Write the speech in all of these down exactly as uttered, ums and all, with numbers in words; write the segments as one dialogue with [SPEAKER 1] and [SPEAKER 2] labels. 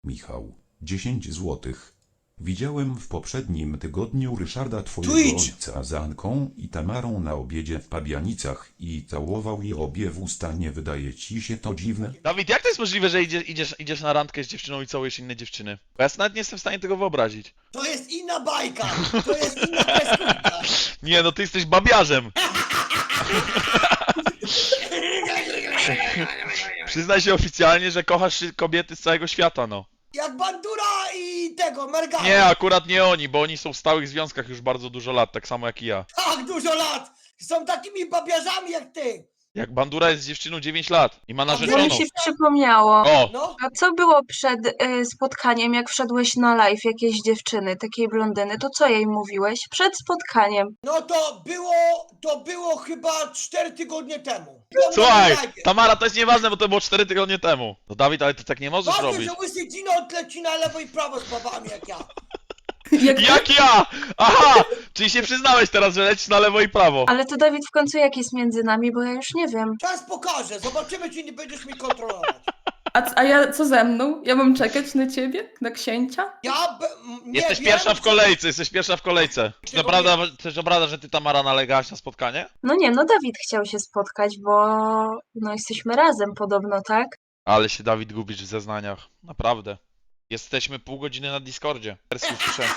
[SPEAKER 1] Michał, dziesięć złotych. Widziałem w poprzednim tygodniu Ryszarda twojego
[SPEAKER 2] Twitch.
[SPEAKER 1] ojca z Anką i Tamarą na obiedzie w Pabianicach i całował je obie w usta. Nie wydaje ci się to dziwne?
[SPEAKER 3] Dawid, jak to jest możliwe, że idzie, idziesz, idziesz na randkę z dziewczyną i całujesz inne dziewczyny? Bo ja nawet nie jestem w stanie tego wyobrazić.
[SPEAKER 2] To jest inna bajka! To jest inna kreskówka!
[SPEAKER 3] Nie, no ty jesteś babiarzem. Przyznaj się oficjalnie, że kochasz kobiety z całego świata, no.
[SPEAKER 2] Jak Bandura i tego, Mergana!
[SPEAKER 3] Nie, akurat nie oni, bo oni są w stałych związkach już bardzo dużo lat, tak samo jak i ja.
[SPEAKER 2] Tak, dużo lat! Są takimi babiarzami jak ty!
[SPEAKER 3] Jak Bandura jest z dziewczyną dziewięć lat i ma
[SPEAKER 4] Bo
[SPEAKER 3] narzeczoną.
[SPEAKER 4] mi się przypomniało.
[SPEAKER 3] O!
[SPEAKER 2] No,
[SPEAKER 4] A co było przed y, spotkaniem, jak wszedłeś na live jakiejś dziewczyny, takiej blondyny, to co jej mówiłeś? Przed spotkaniem.
[SPEAKER 2] no to było, to było chyba cztery tygodnie temu.
[SPEAKER 3] Słuchaj,
[SPEAKER 2] Live.
[SPEAKER 3] Tamara, to jest nieważne, bo to było cztery tygodnie temu. No Dawid, ale ty tak nie możesz
[SPEAKER 2] Ważne,
[SPEAKER 3] robić.
[SPEAKER 2] że łysy Dino odleci na lewo i prawo z babami jak ja.
[SPEAKER 3] Jak ja! Aha! Czyli się przyznałeś teraz, że lecisz na lewo i prawo.
[SPEAKER 4] Ale to Dawid w końcu jak jest między nami, bo ja już nie wiem.
[SPEAKER 2] Czas pokaże, zobaczymy czy nie będziesz mi kontrolować.
[SPEAKER 5] A, c- a ja co ze mną? Ja mam czekać na ciebie? Na księcia?
[SPEAKER 2] Ja be, m- nie
[SPEAKER 3] Jesteś
[SPEAKER 2] wiem,
[SPEAKER 3] pierwsza w
[SPEAKER 2] czy-
[SPEAKER 3] kolejce, jesteś pierwsza w kolejce. Czy to
[SPEAKER 2] Tego
[SPEAKER 3] prawda, czy to prawda, że ty, Tamara, nalegałaś na spotkanie?
[SPEAKER 4] No nie, no Dawid chciał się spotkać, bo no jesteśmy razem podobno, tak?
[SPEAKER 3] Ale się, Dawid, gubisz w zeznaniach. Naprawdę. Jesteśmy pół godziny na Discordzie. Wersji usłyszałem.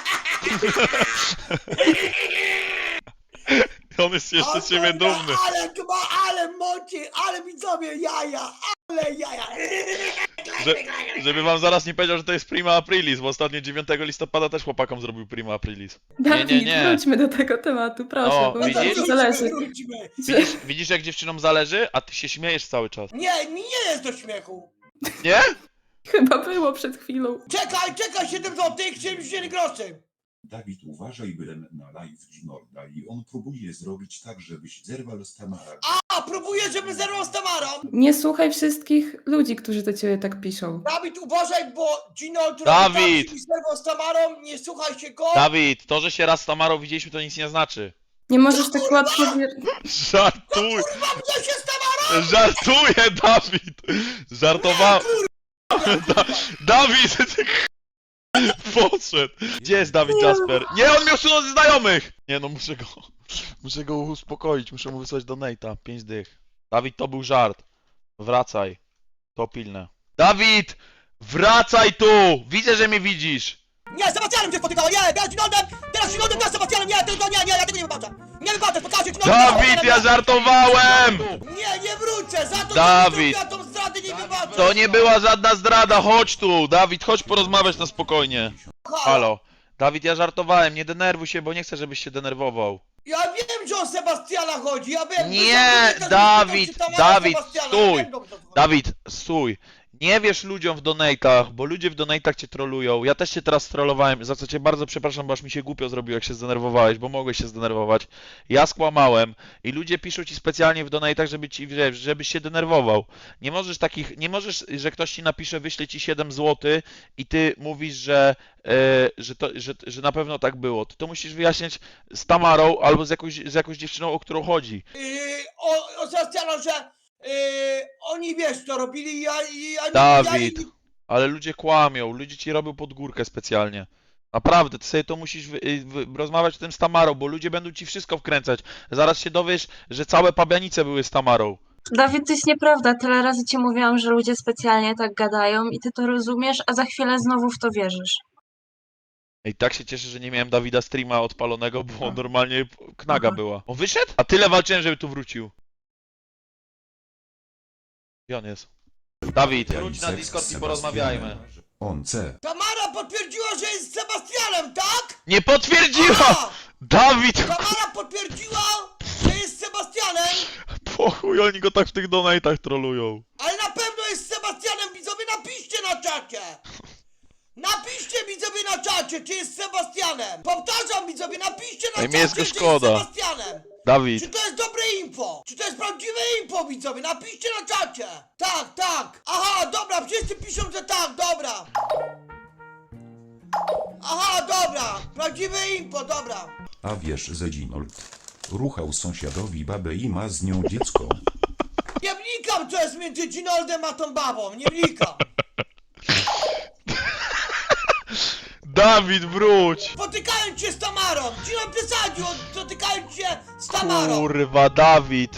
[SPEAKER 3] On jest jeszcze z ciebie
[SPEAKER 2] Ale-
[SPEAKER 3] dumny.
[SPEAKER 2] Ale chyba, ale moci, ale widzowie jaja, ale jaja.
[SPEAKER 3] Że, żeby wam zaraz nie powiedział, że to jest Prima Aprilis, bo ostatnio dziewiątego listopada też chłopakom zrobił Prima Aprilis.
[SPEAKER 5] Dawid,
[SPEAKER 3] nie, nie.
[SPEAKER 5] wróćmy do tego tematu, proszę,
[SPEAKER 3] O,
[SPEAKER 5] bo mi
[SPEAKER 3] widzisz?
[SPEAKER 5] bardzo zależy.
[SPEAKER 2] Wróćmy.
[SPEAKER 3] Widzisz, widzisz jak dziewczynom zależy, a ty się śmiejesz cały czas.
[SPEAKER 2] Nie, mi nie jest do śmiechu.
[SPEAKER 3] Nie?
[SPEAKER 5] Chyba było przed chwilą.
[SPEAKER 2] Czekaj, czekaj, siedem złotych, siedemdziesiąt groszy.
[SPEAKER 1] Dawid, uważaj, byłem na live Ginorda i on próbuje zrobić tak, żebyś zerwał z Tamarą.
[SPEAKER 2] A, próbuję, żeby zerwał z Tamarą.
[SPEAKER 5] Nie słuchaj wszystkich ludzi, którzy do ciebie tak piszą.
[SPEAKER 2] Dawid, uważaj, bo Gino robi
[SPEAKER 3] Dawid!
[SPEAKER 2] tak, żeby zerwał z Tamarą, nie słuchaj się go.
[SPEAKER 3] Dawid, to, że się raz z Tamarą widzieliśmy, to nic nie znaczy.
[SPEAKER 5] Nie możesz tak łatwo... wier-
[SPEAKER 3] Żartuj!
[SPEAKER 2] Mam się z Tamarą!
[SPEAKER 3] Żartuję, Dawid! Żartowałem. Da Dawid! ty Poszedł! Gdzie jest Dawid Jasper? Nie, on mnie usunął ze znajomych! Nie no, muszę go... Muszę go uspokoić, muszę mu wysłać donate'a. Pięć dych. Dawid, to był żart. Wracaj. To pilne. Dawid! Wracaj tu! Widzę, że mnie widzisz!
[SPEAKER 2] Nie, z Sebastianem się spotykała, nie, ja z Ginaldem, teraz z Ginaldem, teraz z Sebastianem, nie, tylko nie, nie, ja tego nie wybaczę. Nie wybaczę, pokażę Ginaldem.
[SPEAKER 3] Dawid, ja żartowałem!
[SPEAKER 2] Nie, nie wrócę, za to,
[SPEAKER 3] Dawid.
[SPEAKER 2] że ja tą zdradę nie wybaczę.
[SPEAKER 3] To nie była żadna zdrada, chodź tu! Dawid, chodź porozmawiać na spokojnie. Halo. Dawid, ja żartowałem, nie denerwuj się, bo nie chcę, żebyś się denerwował.
[SPEAKER 2] Ja wiem, że o Sebastiana chodzi, ja wiem.
[SPEAKER 3] Nie, Dawid, Dawid, stój. Dawid, stój. Nie wiesz ludziom w donate'ach, bo ludzie w donate'ach cię trolują. Ja też cię teraz trollowałem, za co cię bardzo przepraszam, bo aż mi się głupio zrobiło, jak się zdenerwowałeś, bo mogłeś się zdenerwować. Ja skłamałem i ludzie piszą ci specjalnie w donate'ach, żeby ci, wiesz, żebyś się denerwował. Nie możesz takich, nie możesz, że ktoś ci napisze, wyśle ci siedem złotych i ty mówisz, że, e, że, to, że, że na pewno tak było. Ty to musisz wyjaśniać z Tamarą albo z jakąś, z jakąś dziewczyną, o którą chodzi.
[SPEAKER 2] Yy, o, o Sebastiana, że yy, oni wiesz co robili, ja, ja,
[SPEAKER 3] Dawid,
[SPEAKER 2] ja,
[SPEAKER 3] ale ludzie kłamią, ludzie ci robią pod górkę specjalnie. Naprawdę, ty sobie to musisz wy, wy, rozmawiać o tym z Tamarą, bo ludzie będą ci wszystko wkręcać. Zaraz się dowiesz, że całe Pabianice były z Tamarą.
[SPEAKER 4] Dawid, to jest nieprawda. Tyle razy ci mówiłam, że ludzie specjalnie tak gadają i ty to rozumiesz, a za chwilę znowu w to wierzysz.
[SPEAKER 3] I tak się cieszę, że nie miałem Dawida streama odpalonego, bo normalnie knaga była. On wyszedł? A tyle walczyłem, żeby tu wrócił. Gdzie on jest? Dawid, wróć na Discord i porozmawiajmy.
[SPEAKER 1] On C.
[SPEAKER 2] Tamara potwierdziła, że jest z Sebastianem, tak?
[SPEAKER 3] Nie potwierdziła!
[SPEAKER 2] A,
[SPEAKER 3] Dawid!
[SPEAKER 2] Tamara potwierdziła, że jest z Sebastianem,
[SPEAKER 3] Po chuj, oni go tak w tych donate'ach trolują.
[SPEAKER 2] ale na pewno jest z Sebastianem, widzowie, napiszcie na czacie! Napiszcie widzowie na czacie, czy jest z Sebastianem! Powtarzam widzowie, napiszcie na
[SPEAKER 3] Ej, mi
[SPEAKER 2] czacie,
[SPEAKER 3] jest go
[SPEAKER 2] czy jest z
[SPEAKER 3] szkoda.
[SPEAKER 2] Sebastianem!
[SPEAKER 3] Dawid.
[SPEAKER 2] Czy to jest dobre info? Czy to jest prawdziwe info, widzowie? Napiszcie na czacie! Tak, tak! Aha, dobra, wszyscy piszą, że tak, dobra! Aha, dobra! Prawdziwe info, dobra!
[SPEAKER 1] A wiesz, że Ginold ruchał sąsiadowi babę i ma z nią dziecko.
[SPEAKER 2] Nie wnikam, co jest między Ginoldem a tą babą, nie wnikam!
[SPEAKER 3] Dawid, wróć!
[SPEAKER 2] Spotykając się z Tamarą! Gino przesadził, spotykając się z Tamarą!
[SPEAKER 3] Kurwa, Dawid!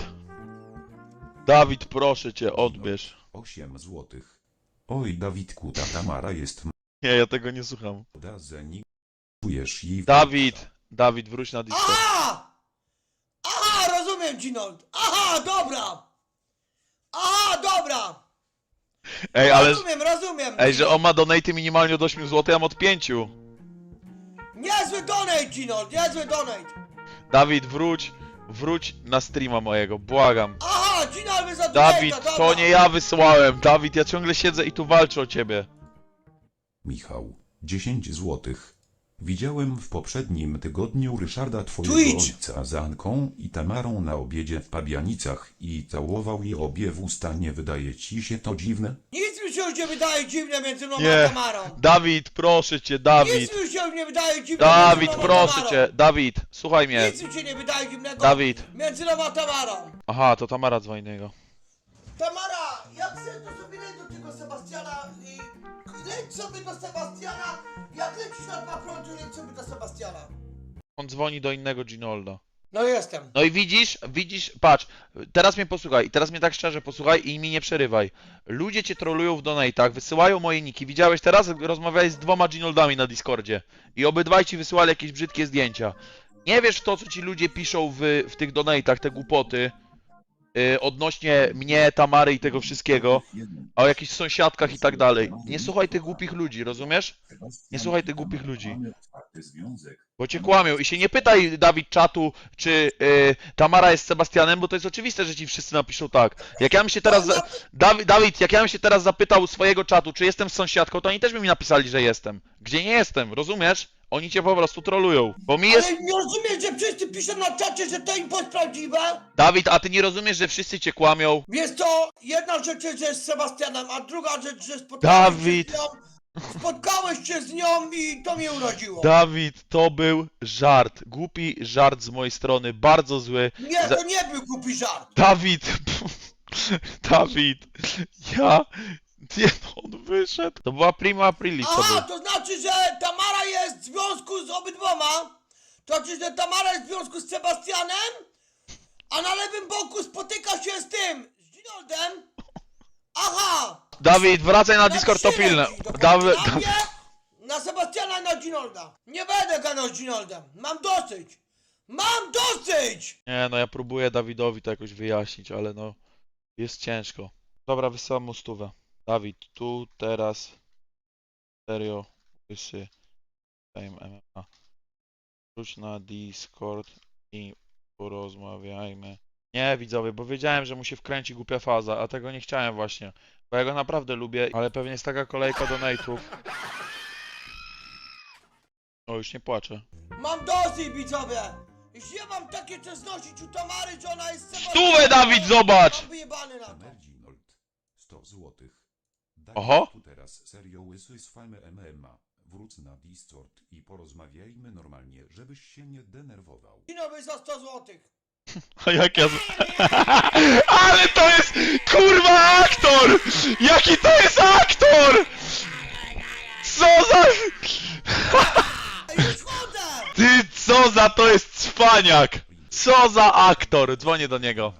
[SPEAKER 3] Dawid, proszę cię, odbierz.
[SPEAKER 1] osiem złotych. Oj, Dawidku, ta Tamara jest
[SPEAKER 3] Nie, ja tego nie słucham.
[SPEAKER 1] młoda, zeni. Czujesz jej...
[SPEAKER 3] Dawid! Dawid, wróć na Discord.
[SPEAKER 2] Aha! Aha, rozumiem, Ginold! Aha, dobra! Aha, dobra!
[SPEAKER 3] Ej, ale...
[SPEAKER 2] Rozumiem, rozumiem!
[SPEAKER 3] Ej, że on ma donaty minimalnie od ośmiu złotych, ja mam od pięciu.
[SPEAKER 2] Niezły donate, Ginold, niezły donate!
[SPEAKER 3] Dawid, wróć. Wróć na streama mojego, błagam.
[SPEAKER 2] Aha, Ginold, wy za
[SPEAKER 3] Dawid,
[SPEAKER 2] donate'a, dobra.
[SPEAKER 3] to nie ja wysłałem. Dawid, ja ciągle siedzę i tu walczę o ciebie.
[SPEAKER 1] Michał, dziesięć złotych. Widziałem w poprzednim tygodniu Ryszarda twojego
[SPEAKER 2] Twitch.
[SPEAKER 1] ojca z Anką i Tamarą na obiedzie w Pabianicach i całował je obie w usta. Nie wydaje ci się to dziwne?
[SPEAKER 2] Nic mi się już nie wydaje dziwne między mną
[SPEAKER 3] Nie.
[SPEAKER 2] a Tamarą!
[SPEAKER 3] Dawid, proszę cię, Dawid.
[SPEAKER 2] Nic mi się już nie wydaje dziwne
[SPEAKER 3] Dawid,
[SPEAKER 2] między mną a
[SPEAKER 3] proszę
[SPEAKER 2] Tamarą.
[SPEAKER 3] cię. Dawid, słuchaj mnie.
[SPEAKER 2] Nic mi się nie wydaje dziwnego
[SPEAKER 3] Dawid.
[SPEAKER 2] między mną a Tamarą!
[SPEAKER 3] Aha, to Tamara dzwoni do niego.
[SPEAKER 2] Tamara, jak chcesz, to sobie leć do tego Sebastiana i leć sobie do Sebastiana, jak lecisz na dwa prądy, leć sobie do Sebastiana.
[SPEAKER 3] On dzwoni do innego Ginolda.
[SPEAKER 2] No jestem.
[SPEAKER 3] No i widzisz, widzisz, patrz, teraz mnie posłuchaj, i teraz mnie tak szczerze posłuchaj i mi nie przerywaj. Ludzie cię trolują w donatach, wysyłają moje niki. Widziałeś teraz? Rozmawiałeś z dwoma Ginoldami na Discordzie. I obydwaj ci wysyłali jakieś brzydkie zdjęcia. Nie wiesz w to, co ci ludzie piszą w, w tych donatach, te głupoty. Yy, odnośnie mnie, Tamary i tego wszystkiego. A o jakichś sąsiadkach i tak dalej. Nie słuchaj tych głupich ludzi, rozumiesz? Nie słuchaj tych głupich ludzi. Bo cię kłamią i się nie pytaj, Dawid, czatu, czy yy, Tamara jest Sebastianem, bo to jest oczywiste, że ci wszyscy napiszą tak. Jak ja bym się teraz... Za... Dawid, Dawid, jak ja bym się teraz zapytał swojego czatu, czy jestem z sąsiadką, to oni też by mi napisali, że jestem. Gdzie nie jestem, rozumiesz? Oni cię po prostu trolują, bo mi jest...
[SPEAKER 2] Ale nie rozumiesz, że wszyscy piszą na czacie, że to info jest prawdziwe?
[SPEAKER 3] Dawid, a ty nie rozumiesz, że wszyscy cię kłamią?
[SPEAKER 2] Jest to jedna rzecz, że jest z Sebastianem, a druga rzecz, że spotkałeś
[SPEAKER 3] Dawid.
[SPEAKER 2] się z nią, spotkałeś się z nią i to mnie uraziło.
[SPEAKER 3] Dawid, to był żart. Głupi żart z mojej strony, bardzo zły.
[SPEAKER 2] Nie,
[SPEAKER 3] Za-
[SPEAKER 2] to nie był głupi żart.
[SPEAKER 3] Dawid! Dawid! Ja... Nie, no, on wyszedł. To była prima aprilis, to
[SPEAKER 2] Aha,
[SPEAKER 3] był.
[SPEAKER 2] to znaczy, że Tamara jest w związku z obydwoma. To znaczy, że Tamara jest w związku z Sebastianem, a na lewym boku spotyka się z tym, z Ginoldem. Aha!
[SPEAKER 3] Dawid, wracaj na Discord, to
[SPEAKER 2] trzy
[SPEAKER 3] pilne.
[SPEAKER 2] leci, dokładnie.
[SPEAKER 3] Dawid,
[SPEAKER 2] Na mnie, na Sebastiana i na Ginolda. Nie będę gadał z Ginoldem. Mam dosyć. Mam dosyć!
[SPEAKER 3] Nie, no ja próbuję Dawidowi to jakoś wyjaśnić, ale no... Jest ciężko. Dobra, wysyłam mu stówę. Dawid, tu, teraz... Serio, łysy... Fame M M A. Wróć na Discord i porozmawiajmy. Nie, widzowie, bo wiedziałem, że mu się wkręci głupia faza, a tego nie chciałem właśnie. Bo ja go naprawdę lubię, ale pewnie jest taka kolejka donate'ów. O, już nie płaczę.
[SPEAKER 2] Mam dosyć, widzowie! Jeśli ja mam takie coś znosić u Tamary, że ona jest Sebastianem...
[SPEAKER 3] Stówę, Dawid, zobacz!
[SPEAKER 2] Mam wyjebany na to.
[SPEAKER 1] Merginold, sto złotych. Daj
[SPEAKER 3] Oho.
[SPEAKER 1] tu teraz serio łysy z Fame M M A. Wróć na Discord i porozmawiajmy normalnie, żebyś się nie denerwował.
[SPEAKER 2] Ginowy za sto złotych.
[SPEAKER 3] A jak ja... z- Ale to jest kurwa aktor! Jaki to jest aktor! Co za...
[SPEAKER 2] Ej, już chodzę!
[SPEAKER 3] Ty, co za to jest cwaniak! Co za aktor! Dzwonię do niego.